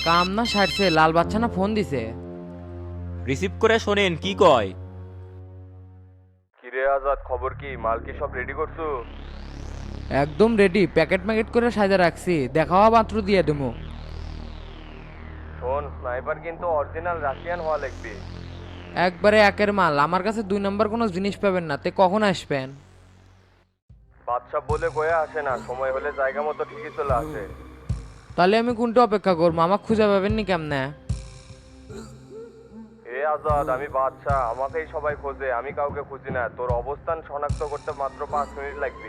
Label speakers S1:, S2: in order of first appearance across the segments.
S1: কাম না সারছে, লাল বাচ্চা না ফোন দিছে।
S2: রিসিভ করে শোনেন কি কয়।
S3: কিরে আজাদ, খবর কি? মাল কি সব রেডি করছো?
S1: একদম রেডি, প্যাকেট ম্যাকেট করে সাজা রাখছি, দেখাওয়া মাত্র দিয়ে দেবো।
S3: শোন, স্নাইপার কিন্তু অরিজিনাল রাশিয়ান হওয়া লাগবে।
S1: একবারে একের মাল, আমার কাছে 2 নম্বর কোনো জিনিস পাবেন না। তে কখন আসবেন?
S3: বাদশা বলে কয়ে আসে না, সময় হলে জায়গা মতো ঠিকই চলে আসে।
S1: তাহলে আমি কোনটা অপেক্ষা করবো? আমাকে খুঁজে পাবেন নি কেমনে?
S3: এ আজাদ, আমি বাদশা, আমাকেই সবাই খোঁজে, আমি কাউকে খুঁজি না। তোর অবস্থান শনাক্ত করতে মাত্র 5 মিনিট লাগবে।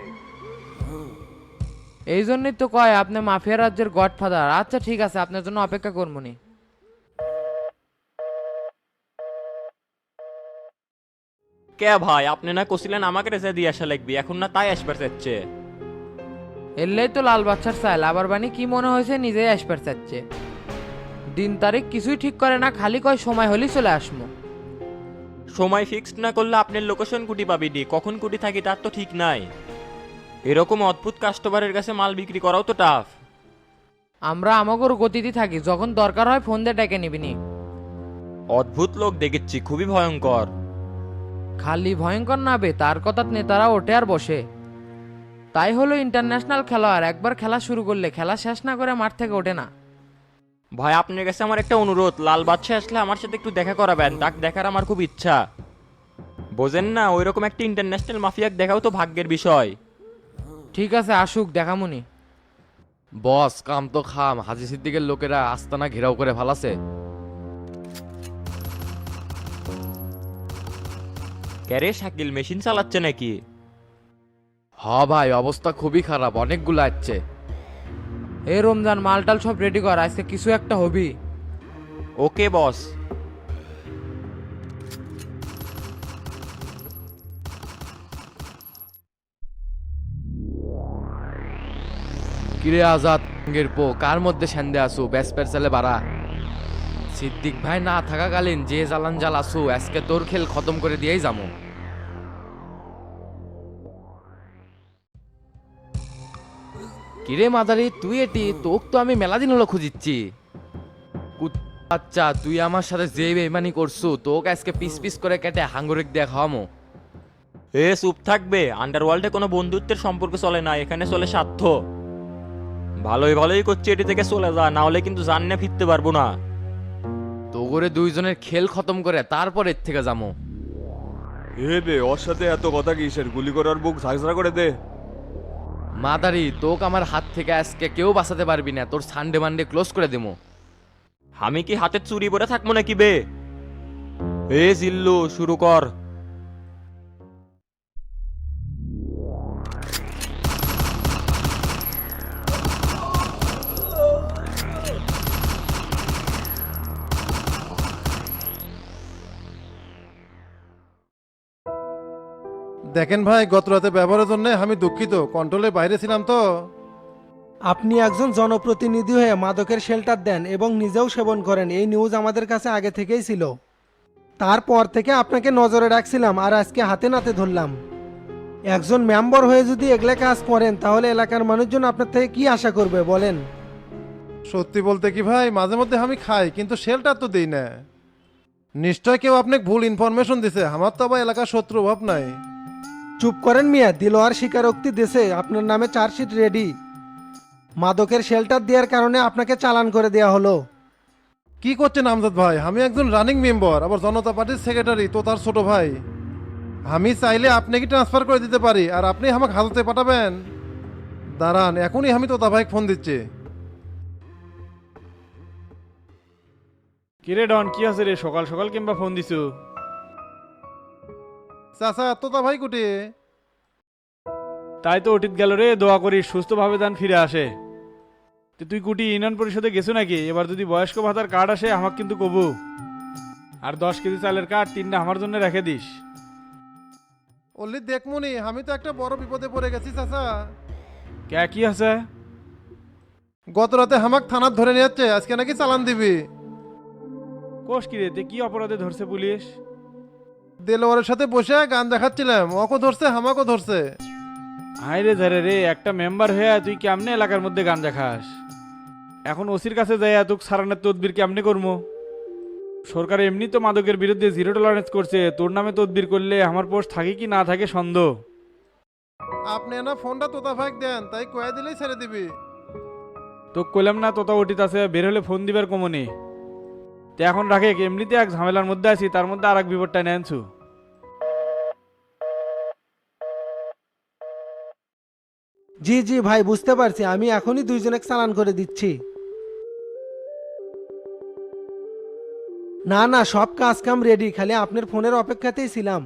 S1: এই জন্যই তো কয় আপনি মাফিয়া রাজ্যের গডফাদার। আচ্ছা ঠিক আছে, আপনার জন্য অপেক্ষা করবো নি।
S2: কে ভাই, আপনি না কছিলেন আমাকে রেসে দিয়ে আসা লাগবে, এখন না তাই আসবার চাচ্ছে।
S1: এলেই তো লাল বাচ্চার চাইল, আবার বানি কি মনে হয়েছে নিজেই আসবার চাচ্ছে। দিন তারিখ কিছুই ঠিক করে না, খালি কয় সময় হলেই চলে আসবো।
S2: সময় ফিক্সড না করলে আপনার লোকেশন কুটি পাবিনি, কখন কুটি থাকি তার তো ঠিক নাই। এরকম অদ্ভুত কাস্টমারের কাছে মাল বিক্রি করাও তো টাফ।
S1: আমরা আমাগোর গতিতে থাকি, যখন দরকার হয় ফোন দিয়ে ডেকে নিবিনি।
S2: অদ্ভুত লোক দেখেছি, খুবই ভয়ঙ্কর।
S1: খালি ভয়ঙ্কর নাবে, তার কথা নেতারা ওঠে আর বসে। তাই হলো ইন্টারন্যাশনাল খেলোয়াড়, একবার খেলা শুরু করলে খেলা শেষ না করে মাঠ থেকে ওঠে না।
S2: ভাই আপনার কাছে আমার একটা অনুরোধ, লাল বাদশা আসলে আমার সাথে একটু দেখা করাবেন, তাক দেখার আমার খুব ইচ্ছা। বোঝেন না, ওইরকম একটা ইন্টারন্যাশনাল মাফিয়াক দেখাও তো ভাগ্যের বিষয়।
S1: ঠিক আছে, আসুক, দেখামুনি।
S4: বস, কাম তো খাম, হাজি সিদ্দিকের লোকেরা আস্তানা ঘেরাও করে ফালাছে।
S2: ক্যারে শাকিল মেশিন চালাচ্ছে নাকি?
S4: হ ভাই, অবস্থা খুবই খারাপ, অনেকগুলো আসছে।
S1: এই রমজান, মালটাল সব রেডি কর, আজকে কিছু একটা হবি।
S2: ওকে বস।
S4: কিরে আজাদ এর পো, কার মধ্যে সেন্দে আসু ব্যাসপের ছেলে বাড়া। সিদ্দিক ভাই না থাকাকালীন যে জ্বালান জ্বাল আসু, আজকে তোর খেল খতম করে দিয়েই যাবো। কিরে মাদারি, তুই এটি তোক তো আমি মেলা দিন হলো খুঁজিচ্ছি। আচ্ছা, তুই আমার সাথে যে বেইমানি করছু, তোকে আজকে পিস পিস করে কেটে হাঙ্গরিক দিয়ে খাওয়ামো।
S2: এ চুপ থাকবে, আন্ডারওয়ার্ল্ডে কোনো বন্ধুত্বের সম্পর্ক চলে না, এখানে চলে স্বার্থ। ভালোই ভালোই করছি, এটি থেকে চলে যা, না হলে কিন্তু জান না ফিরতে পারবো না।
S4: তো করে দুইজনের খেল খতম করে তারপর এর থেকে যাবো।
S3: এ বে, ওর সাথে এত কথা কিসের? গুলি করার বুক ঝাঁঝরা করে দে।
S4: মাদারি, তোকে আমার হাত থেকে আজকে কেউ বাঁচাতে পারবি না, তোর সানডে মানডে ক্লোজ করে দিমু।
S2: আমি কি হাতে চুরি পরে থাকবো নাকি বে? এ জিল্লু, শুরু কর।
S5: দেখেন ভাই, গত রাতে ব্যবহারের জন্য আমি দুঃখিত, কন্ট্রোলের বাইরে ছিলাম তো।
S6: আপনি একজন জনপ্রতিনিধি হয়ে মাদকের শেল্টার দেন এবং নিজেও সেবন করেন, এই নিউজ আমাদের কাছে আগে থেকেই ছিল। তারপর থেকে আপনাকে নজরে রাখছিলাম আর আজকে হাতে নাতে ধরলাম। একজন মেম্বার হয়ে যদি এগুলা কাজ করেন তাহলে এলাকার মানুষজন আপনার থেকে কি আশা করবে বলেন?
S5: সত্যি বলতে কি ভাই, মাঝে মধ্যে আমি খাই, কিন্তু শেলটার তো দিই না। নিশ্চয় কেউ আপনাকে ভুল ইনফরমেশন দিছে, আমার তো আবার এলাকার শত্রু অভাব নাই।
S6: চুপ করেন মিয়া, দিলোয়ার স্বীকারোক্তি দেশে আপনার নামে চার্জশিট রেডি। মাদকের শেল্টার দেওয়ার কারণে আপনাকে চালান করে দেওয়া হলো।
S5: কি করছেন আমজাদ ভাই? আমি একজন রানিং মেম্বার, আবার জনতা পার্টির সেক্রেটারি তো তার ছোট ভাই। আমি চাইলে আপনাকে ট্রান্সফার করে দিতে পারি, আর আপনি আমাকে হাজতে পাঠাবেন। দাঁড়ান, এখনই আমি তোতা ভাইকে ফোন দিচ্ছি।
S7: কিরে ডন, কি আছে রে? সকাল সকাল কিংবা ফোন দিছু?
S5: চাচা, তোতা ভাই কুটি?
S7: তাই তো অতীত গেল রে, দোয়া করি সুস্থভাবে দান ফিরে আসে। তো তুই কুটি ইউনিয়ন পরিষদে গেছো নাকি? এবার যদি বয়স্ক ভাতার কার্ড আসে আমাকে কিন্তু কবু। আর 10 কেজি চালের কার্ড 3টা আমার জন্য রেখে দিস।
S5: অল্লি দেখমুনি, আমি তো একটা বড় বিপদে পড়ে গেছি চাচা।
S7: কে কি আছে?
S5: গত রাতে হামাক থানার ধরে নিয়ে যাচ্ছে, আজকে নাকি চালান দিবি।
S7: কোষ কিরে, তে কি অপরাধে ধরছে পুলিশ?
S5: দেলোয়ারের সাথে বসে গান দেখাচ্ছিলাম, ওকে ধরছে হামাকও ধরছে।
S7: হাই রে ধারে রে, একটা মেম্বার হয়ে তুই কেমনে এলাকার মধ্যে গাঞ্জা খাস? এখন ওসির কাছে যাই এত সারানোর তদবির কেমনে করবো? সরকার এমনি তো মাদকের বিরুদ্ধে জিরো টলারেন্স করছে, তোর নামে তদবির করলে আমার পোস্ট থাকে কি না থাকে সন্দেহ।
S5: আপনি না ফোনটা তোতা ভাগ দেন, তাই কয়ে দিলেই ছেড়ে দিবি।
S7: তো কইলাম না তোতা ওটিত আছে, বের হলে ফোন দিবার কমনি। তো এখন রাখে, এমনিতে এক ঝামেলার মধ্যে আছি, তার মধ্যে আর এক বিপদটা নেনছু।
S6: জি জি ভাই, বুঝতে পারছি, আমি এখনই দুইজনে চালান করে দিচ্ছি। না না, সব কাজ কাম রেডি, খালি আপনার ফোনের অপেক্ষাতেই ছিলাম।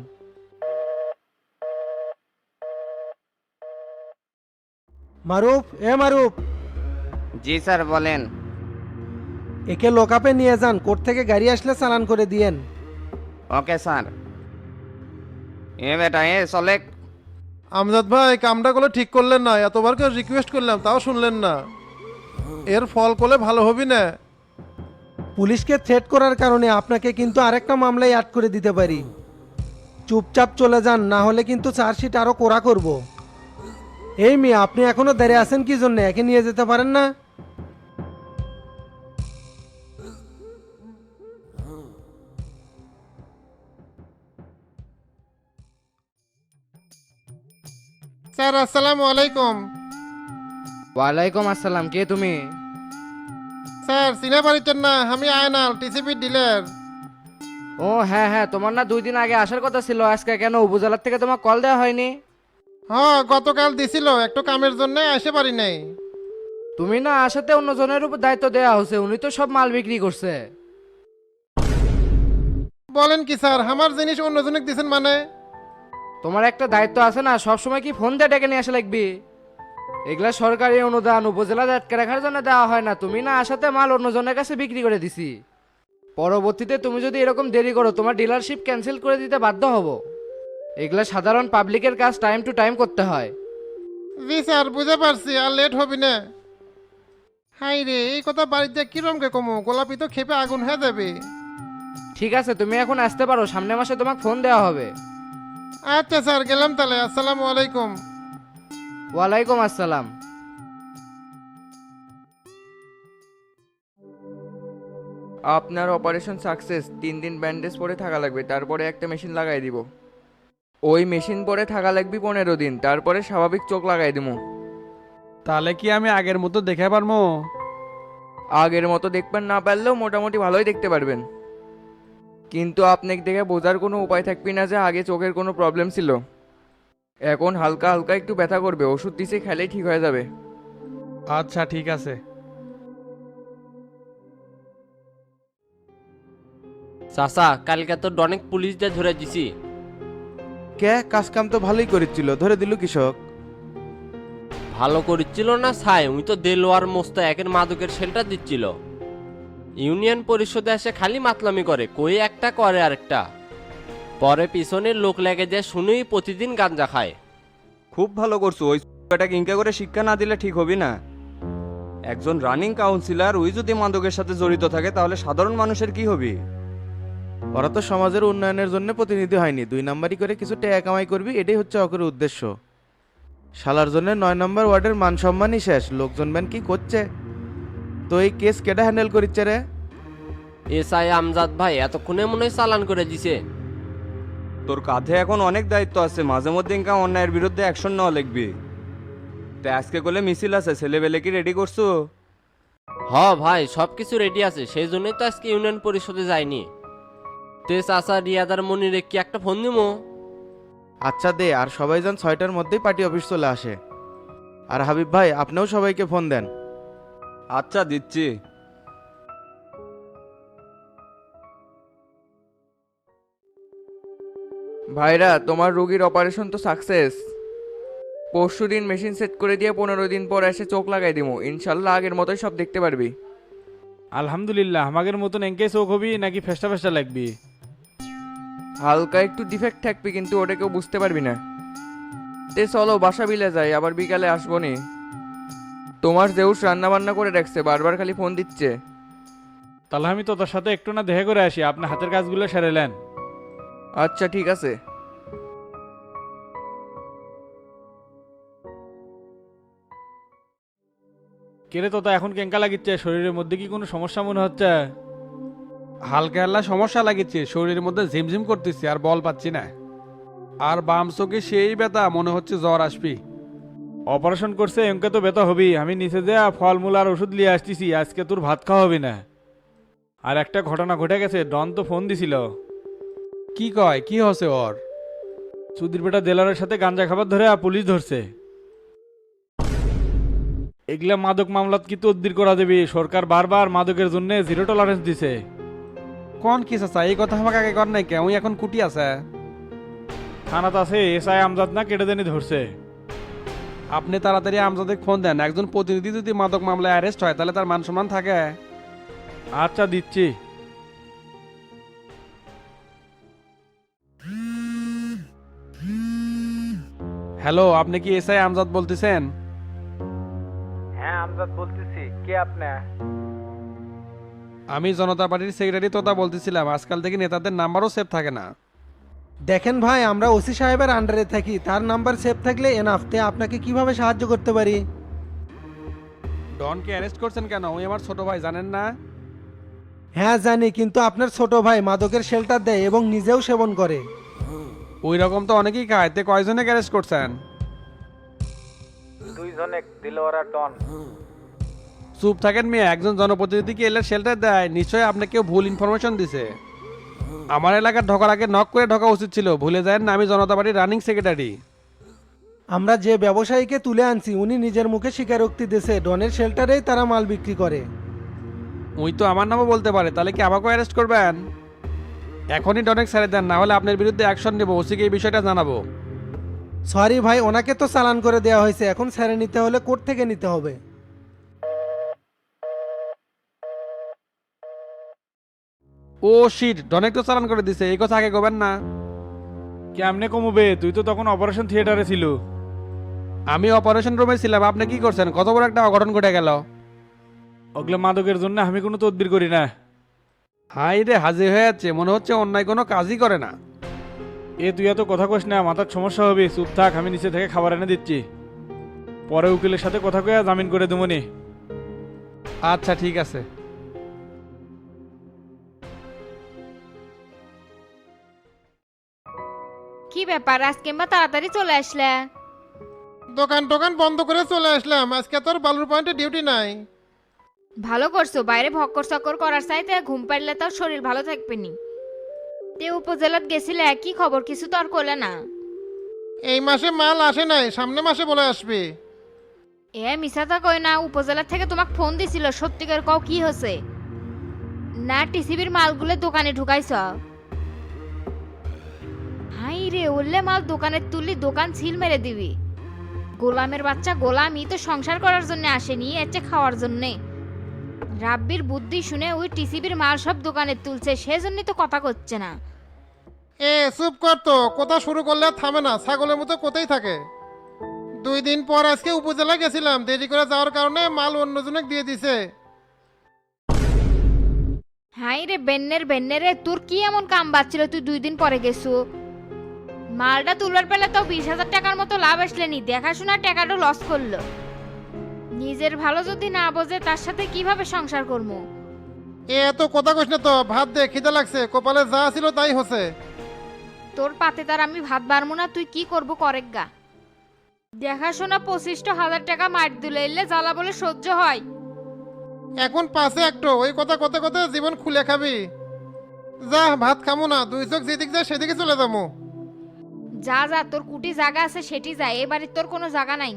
S6: মারুফ, এ মারুফ,
S8: জি স্যার বলেন।
S6: একে লোকাপে নিয়ে যান, কোর্ট থেকে গাড়ি আসলে চালান করে দিয়েন।
S8: Okay sir. এ বেটা এ চলে।
S5: আমজাদ ভাই, কামটা করলে ঠিক করলেন না, এতবার করে রিকোয়েস্ট করলাম তাও শুনলেন না। এর ফল করলে ভালো হবি না।
S6: পুলিশকে থ্রেট করার কারণে আপনাকে কিন্তু আরেকটা মামলায় অ্যাড করে দিতে পারি। চুপচাপ চলে যান, না হলে কিন্তু চার্জশিট আরো কড়া করব। এই মেয়ে, আপনি এখনো দাঁড়িয়ে আছেন কি জন্য? একে নিয়ে যেতে পারেন না?
S5: স্যার আসসালামু আলাইকুম।
S1: ওয়ালাইকুম আসসালাম, কে তুমি?
S5: স্যার চিনে পারিছেন না, আমি আয়নাল, টিসিবি ডিলার।
S1: ও হ্যাঁ হ্যাঁ, তোমার না 2 দিন আগে আসার কথা ছিল, আজকে কেন উপজেলার থেকে তোমার কল দেওয়া হয়নি?
S5: হ্যাঁ, গতকাল দিছিল, একটু কামের জন্য আসতে পারি নাই।
S1: তুমি না আসাতে অন্যজনের উপর দায়িত্ব দেওয়া হয়েছে, উনি তো সব মাল বিক্রি করছে।
S5: বলেন কি স্যার, আমার জিনিস অন্যজনকে দিছেন মানে?
S1: তোমার একটা দায়িত্ব আছে না, সবসময় কি ফোন দিয়ে ডেকে নিয়ে আসা লাগবি? এগুলা সরকারি অনুদান, উপজেলা আটকে রাখার জন্য দেওয়া হয় না। তুমি না আসাতে মাল অন্যজনের কাছে বিক্রি করে দিছি। পরবর্তীতে তুমি যদি এরকম দেরি করো, তোমার ডিলারশিপ ক্যান্সেল করে দিতে বাধ্য হব। এগুলা সাধারণ পাবলিকের কাজ টাইম টু টাইম করতে হয়।
S5: জি স্যার, বুঝতে পারছি, আর লেট হবি না। হাই রে, এই কথা বাড়িতে কিরমকে কমু, গোলাপি তো খেপে আগুন হয়ে যাবে।
S1: ঠিক আছে, তুমি এখন আসতে পারো, সামনের মাসে তোমাকে ফোন দেওয়া হবে।
S5: আচ্ছা স্যার, গেলাম তাহলে, আসসালামু আলাইকুম।
S1: ওয়ালাইকুম আসসালাম।
S9: আপনার অপারেশন সাকসেস। 3 দিন ব্যান্ডেজ পরে থাকা লাগবে, তারপরে একটা মেশিন লাগাই দিব। ওই মেশিন পরে থাকা লাগবে 15 দিন, তারপরে স্বাভাবিক চোখ লাগাই দিব।
S7: তাহলে কি আমি আগের মতো দেখে পারবো?
S9: আগের মতো দেখবেন না পারলেও মোটামুটি ভালোই দেখতে পারবেন। কিন্তু আপনাকে দেখে বোঝার কোনো উপায় থাকবে না যে আগে চোখের কোনো প্রবলেম ছিল। এখন হালকা হালকা একটু ব্যথা করবে, ওষুধ দিছে, খেলেই ঠিক হয়ে যাবে।
S7: আচ্ছা ঠিক আছে।
S10: চাচা, কালকে তো অনেক পুলিশদের ধরে দিছি।
S11: কে? কাজ কাম তো ভালোই করেছিল, ধরে দিল কৃষক।
S10: ভালো করেছিল না ছাই, উনি তো দেলোয়ার মোস্তাকের মাদকের শেল্টার দিচ্ছিল। ইউনিয়ন পরিষদে এসে খালি মাতলামি করে, কই একটা করে আরেকটা। পরে পিছনের লোক লেগে যায়, শুনেই প্রতিদিন গাঞ্জা খায়।
S3: খুব ভালো করছো, ওই টাকে ইনকা করে শিক্ষা না দিলে ঠিক হবি না। একজন রানিং কাউন্সিলর ওই যদি মাদকের সাথে জড়িত থাকে তাহলে সাধারণ মানুষের কি হবে?
S11: ওরা তো সমাজের উন্নয়নের জন্য প্রতিনিধি হয়নি, 2 নাম্বারই করে কিছু টাকা কামাই করবি, এটাই হচ্ছে অকরের উদ্দেশ্য। শালার জন্য 9 নম্বর ওয়ার্ডের মান সম্মানই শেষ, লোকজন ব্যান কি করছে। তো এই কেস কেটা হ্যান্ডেল করিচ্ছে রে?
S10: এসআই আমজাদ ভাই এতক্ষণে মনে হয় চালান করে দিছে।
S3: তোর কাঁধে এখন অনেক দায়িত্ব আছে, মাঝে মধ্যে ইনকা অন্যায়ের বিরুদ্ধে অ্যাকশন নেওয়া লিখবি। তাই আজকে করলে মিছিল আছে, ছেলেবেলে কি রেডি করছো?
S10: হ ভাই, সবকিছু রেডি আছে, সেই জন্যই তো আজকে ইউনিয়ন পরিষদে যায়নি। তে চাচা, রিয়াদার মনিরে কি একটা ফোন দিমো?
S11: আচ্ছা দে, আর সবাই যেন 6টার মধ্যেই পার্টি অফিস চলে আসে। আর হাবিব ভাই, আপনিও সবাইকে ফোন দেন।
S3: আচ্ছা দিচ্ছি।
S9: ভাইরা, তোমার রোগীর অপারেশন তো সাকসেস। পরশুদিন মেশিন সেট করে দিয়ে 15 দিন পর এসে চোখ লাগাই দিব, ইনশাল্লাহ আগের মতোই সব দেখতে পারবি।
S7: আলহামদুলিল্লাহ। আমাদের মতন এঙ্কে চোখ হবি নাকি ফেস্টা ফেস্টা লাগবি?
S9: হালকা একটু ডিফেক্ট থাকবে, কিন্তু ওটা কেউ বুঝতে পারবি না। তে চলো বাসা বিলে যাই, আবার বিকালে আসবো নি। তোমার জেউস রান্না বান্না করে রাখছে, বারবার খালি ফোন দিচ্ছে।
S7: তাহলে আমি তো তোর সাথে একটু না দেখা করে আসি, আপনার হাতের কাজগুলো সেরেলেন।
S9: আচ্ছা ঠিক আছে।
S7: কেরে তোতা এখন কেঙ্কা লাগিচ্ছে, শরীরের মধ্যে কি কোনো সমস্যা মনে হচ্ছে?
S12: হালকা হাল্লা সমস্যা লাগিচ্ছে, শরীরের মধ্যে ঝিমঝিম করতেছি আর বল পাচ্ছি না। আর বাম চোখে সেই ব্যথা, মনে হচ্ছে জ্বর আসবি।
S7: অপারেশন করছে এমকে তো ব্যথা হবি। আমি নিচে যা ফলমূল আর ওষুধ নিয়ে আসতেছি, আজকে তোর ভাত খাওয়া হবে না। আর একটা ঘটনা ঘটে গেছে, ডন তো ফোন দিছিল।
S12: কি কয়, কি হচ্ছে ওর?
S7: সুধীর বেটা দেলারের সাথে গাঞ্জা খাবার ধরে পুলিশ ধরছে। এগুলা মাদক মামলাত কি তদবির করা যাবে? সরকার বারবার মাদকের জন্য 0 টলারেন্স দিছে।
S12: কোন কি চাচা, এই কথা আমাকে আগে কর নাই কে? ওই এখন কুটি আছে।
S7: থানাত আছে, এসআই আমজাদ না কেটে জানি ধরছে।
S12: আপনি তাড়াতাড়ি আমজাদে ফোন দেন। একজন প্রতিনিধি যদি মাদক মামলায় অ্যারেস্ট হয় তাহলে তার মান সম্মান থাকে।
S7: আচ্ছা দিচ্ছি।
S12: হ্যালো, আপনি কি এসআই আমজাদ বলতেছেন?
S7: হ্যাঁ আমজাদ বলতেছি, কে আপনি?
S12: আমি জনতা পার্টির সেক্রেটারি তোতা বলতেছিলাম। আজকাল থেকে নেতাদের নাম্বারও সেভ থাকে না।
S6: দেখেন ভাই, আমরা ওসি সাহেবের আন্ডারে থাকি, তার নাম্বার সেভ থাকলে এনাফ। তে আপনাকে কিভাবে সাহায্য করতে পারি?
S12: ডনকে অ্যারেস্ট করছেন কেন? ওই আমার ছোট ভাই, জানেন না?
S6: হ্যাঁ জানি, কিন্তু আপনার ছোট ভাই মাদকের শেল্টার দেয় এবং নিজেও সেবন করে।
S12: ওই রকম তো অনেকেই খায়। তে কয়জনে অ্যারেস্ট করছেন?
S7: 2 জনে, দিলওয়ার আর ডন।
S12: চুপ থাকেন মেয়ে। একজন জনপ্রতিনিধিকে এলে শেল্টার দেয়, নিশ্চয়ই আপনাকে কেউ ভুল ইনফরমেশন দিছে। আমার এলাকার ঢোকার আগে নক করে ঢোকা উচিত ছিল। ভুলে যায় না আমি জনতা পার্টির রানিং সেক্রেটারি।
S6: আমরা যে ব্যবসায়ীকে তুলে আনছি উনি নিজের মুখে স্বীকারোক্তি দিয়েছে ডনের শেল্টারেই তারা মাল বিক্রি করে।
S12: ওই তো আমার নামও বলতে পারে, তাহলে কি আমাকেও অ্যারেস্ট করবেন? এখনই ডনেক ছেড়ে দেন, না হলে আপনার বিরুদ্ধে অ্যাকশন নেব। ওসিকে এই বিষয়টা জানাবো।
S6: সরি ভাই, ওনাকে তো চালান করে দেওয়া হয়েছে, এখন ছেড়ে নিতে হলে কোর্ট থেকে নিতে হবে।
S12: ও শিট, ডনেক তো চালান করে দিছে। এই কথা আগে কবেন না।
S7: কেমনে কমবে? তুই তো তখন অপারেশন থিয়েটারে ছিল।
S12: আমি অপারেশন রুমে ছিলাম। আপনি কি করছেন? কত বড় একটা অঘটন ঘটে গেল।
S7: ওগুলো মাদকের জন্য আমি কোনো তদবির করি না।
S12: হাই রে, হাজির হয়ে যাচ্ছে। মনে হচ্ছে অন্যায় কোনো কাজই করে না।
S7: তুই এত কথা কইস না, মাথার সমস্যা হবে। চুপ থাক, আমি নিচে থেকে খাবার এনে দিচ্ছি। পরে উকিলের সাথে কথা কয়ে জামিন করে দেবনি।
S12: আচ্ছা ঠিক আছে।
S13: কি ব্যাপার, আজকে মা তাড়াতাড়ি চলে আসলে?
S5: দোকান টোকান বন্ধ করে চলে আসলাম। আজকে তোর বালুর পয়েন্টে ডিউটি নাই।
S13: ভালো করছো, বাইরে ভক্কর চক্কর করার চাইতে ঘুম পাড়লে তার শরীর ভালো থাকবে নি। তে উপজেলাত গেছিলে, কি খবর? কিছু তো আর করলে না।
S5: এই মাসে মাল আসে নাই, সামনে মাসে বলে আসবে।
S13: মিসাতা কই না, উপজেলা থেকে তোমাকে ফোন দিছিল। সত্যিকার কও, কি হয়েছে? না টিসিবির মালগুলো দোকানে ঢুকাইছ? হাই রে, উল্লে মাল দোকানে তুললি দোকান ছিল মেরে দিবি। গোলামের বাচ্চা গোলামই তো সংসার করার জন্য আসেনি, এচ্ছে খাওয়ার জন্যে। রাব্বির বুদ্ধি শুনে ওই টিসিবির মাল সব দোকানে তুলছে, সেজন্যই তো কথা করছে না।
S5: চুপ কর তো, কথা শুরু করলে আর থামে না, ছাগলের মতো কোথায় থাকে। 2 দিন পর আজকে উপজেলা গেছিলাম, দেরি করে যাওয়ার কারণে মাল অন্যজনকে দিয়ে দিছে।
S13: হাই রে বেন্নের বেন্নেরে, তোর কি এমন কাম বাচ্ছিল তুই 2 দিন পরে গেছু? মালটা তুলার পেলে তো 20,000 টাকার মতো লাভ আসলেনি, দেখাশোনা টাকাটা লস করলো। নিজের ভালো যদি না বোঝে তার সাথে কিভাবে সংসার করবো?
S5: এত কথা কইস না তো, ভাত দে, খিদে লাগছে। কপালে যা ছিল তাই হচ্ছে।
S13: তোর পাতে তার আমি ভাত বাড়বো না, তুই কি করবো করেক গা। দেখাশোনা 25,000 টাকা মার দিলে এলে জ্বালা বলে সহ্য হয়?
S5: এখন পাশে একটু ওই কথা কথা কথা জীবন খুলে খাবি। যা, ভাত খামো না, 2 চোখ যেদিক যায় সেদিকে চলে যাবো।
S13: যা যা, তোর কুটি জায়গা আছে সেটি যায়, এ বাড়ির তোর কোনো জায়গা নাই।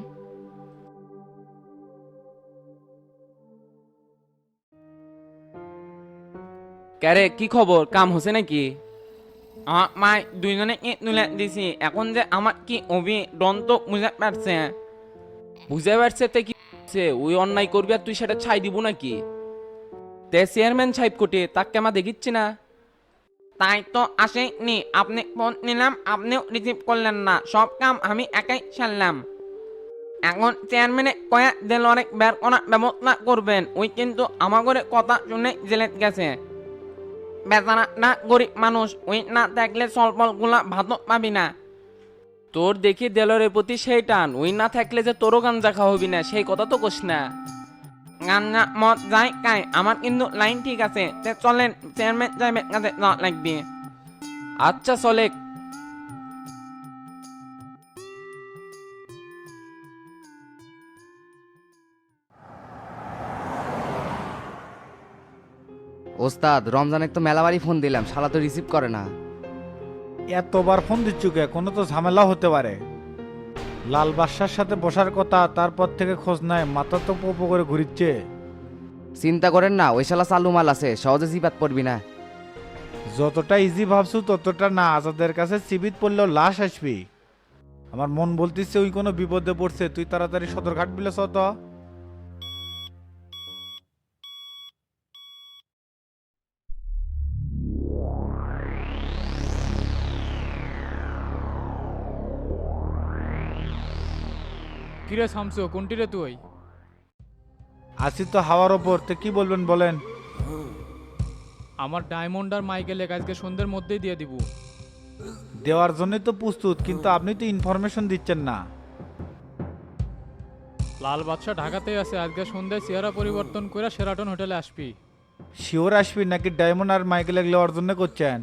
S9: ক্যারে, কি খবর? কাম হচ্ছে নাকি? আমার মাই 2 জনে ইট তুলে দিছি। এখন যে আমার কি অভি ডন তো বুঝতে পারছে।
S10: বুঝে পারছে তে কি হচ্ছে? ওই অন্যায় করবি আর তুই সেটা ছাই দিব নাকি?
S9: তে চেয়ারম্যান সাহেব কোটে, তাকে আমার দেখিচ্ছি না। তাই তো আসেনি। আপনি ফোন নিলাম, আপনিও রিসিভ করলেন না। সব কাম আমি একাই সারলাম। এখন চেয়ারম্যানে কয়া দিল অনেক বের করার ব্যবস্থা করবেন। ওই কিন্তু আমার করে কথা শুনে জেলে গেছে। বেচারা না গরিব মানুষ, ওই না থাকলে সলপল গুলা ভাতও পাবি না।
S10: তোর দেখি দেলরের প্রতি সেই টান, ওই না থাকলে যে তোরও গাঞ্জা খাওয়া হবি না, সেই কথা তো কোস না।
S8: গান্না মদ যাই কাই আমার কিন্তু লাইন ঠিক আছে তে চলেন চেয়ারম্যান সাহেবের কাছে যাওয়া লাগবে।
S2: আচ্ছা চলে।
S1: ওস্তাদ রমজানের তো মেলাবারই ফোন দিলাম, শালা তো রিসিভ করে না।
S7: এতবার ফোন দিচ্ছ কে? কোনো তো ঝামেলা হতে পারে। লাল বাদশার সাথে বসার কথা, তারপর থেকে খোঁজ নাই, মাথা তো পোপো করে ঘুরিচ্ছে।
S1: চিন্তা করেন না, ওই শালা চালু মাল আছে, সহজে জিপাত পড়বি না।
S7: যতটা ইজি ভাবছু ততটা না, আজাদের কাছে চিবিত পড়লেও লাশ আসবি। আমার মন বলতেছে ওই কোনো বিপদে পড়ছে, তুই তাড়াতাড়ি সদরঘাট বিলেছ তো।
S12: কিরে শামসু, কোনটি রে তুই?
S7: আসি তো হাওয়ার ওপর, তো কি বলবেন বলেন।
S12: আমার ডায়মন্ড আর মাইকেল আজকে সন্ধ্যের মধ্যেই দিয়ে দিব।
S7: দেওয়ার জন্যই তো প্রস্তুত, কিন্তু আপনি তো ইনফরমেশন দিচ্ছেন না।
S12: লাল বাদশা ঢাকাতেই আছে, আজকে সন্ধ্যায় চেহারা পরিবর্তন করে শেরাটন হোটেলে আসবি।
S7: শিওর আসবি নাকি ডায়মন্ড আর মাইকেল এগুলো অর্জন করছেন?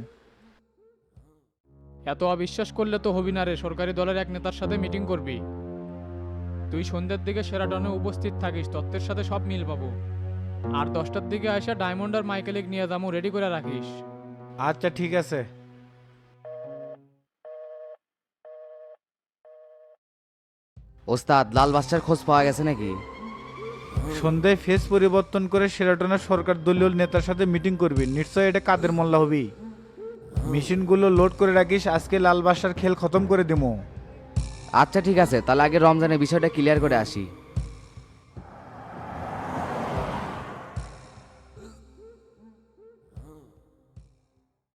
S12: এত অবিশ্বাস করলে তো হবি না রে। সরকারি দলের এক নেতার সাথে মিটিং করবি। তুই সন্ধ্যার দিকে শেরাটনে উপস্থিত থাকিস, তত্ত্বের সাথে সব মিল পাবো। আর 10টার দিকে আসা ডায়মন্ড আর মাইকেলিক নিয়ে যাবো, রেডি করে রাখিস।
S7: আচ্ছা ঠিক আছে।
S1: ওস্তাদ লাল বাদশার খোঁজ পাওয়া গেছে নাকি?
S7: সন্ধ্যায় ফেস পরিবর্তন করে শেরাটনের সরকার দলীয় নেতার সাথে মিটিং করবি, নিশ্চয় এটা কাদের মোল্লা হবি। মেশিনগুলো লোড করে রাখিস, আজকে লাল বাদশার খেল খতম করে দিমু।
S1: আচ্ছা ঠিক আছে, তাহলে আগে রমজানের বিষয়টা ক্লিয়ার করে আসি।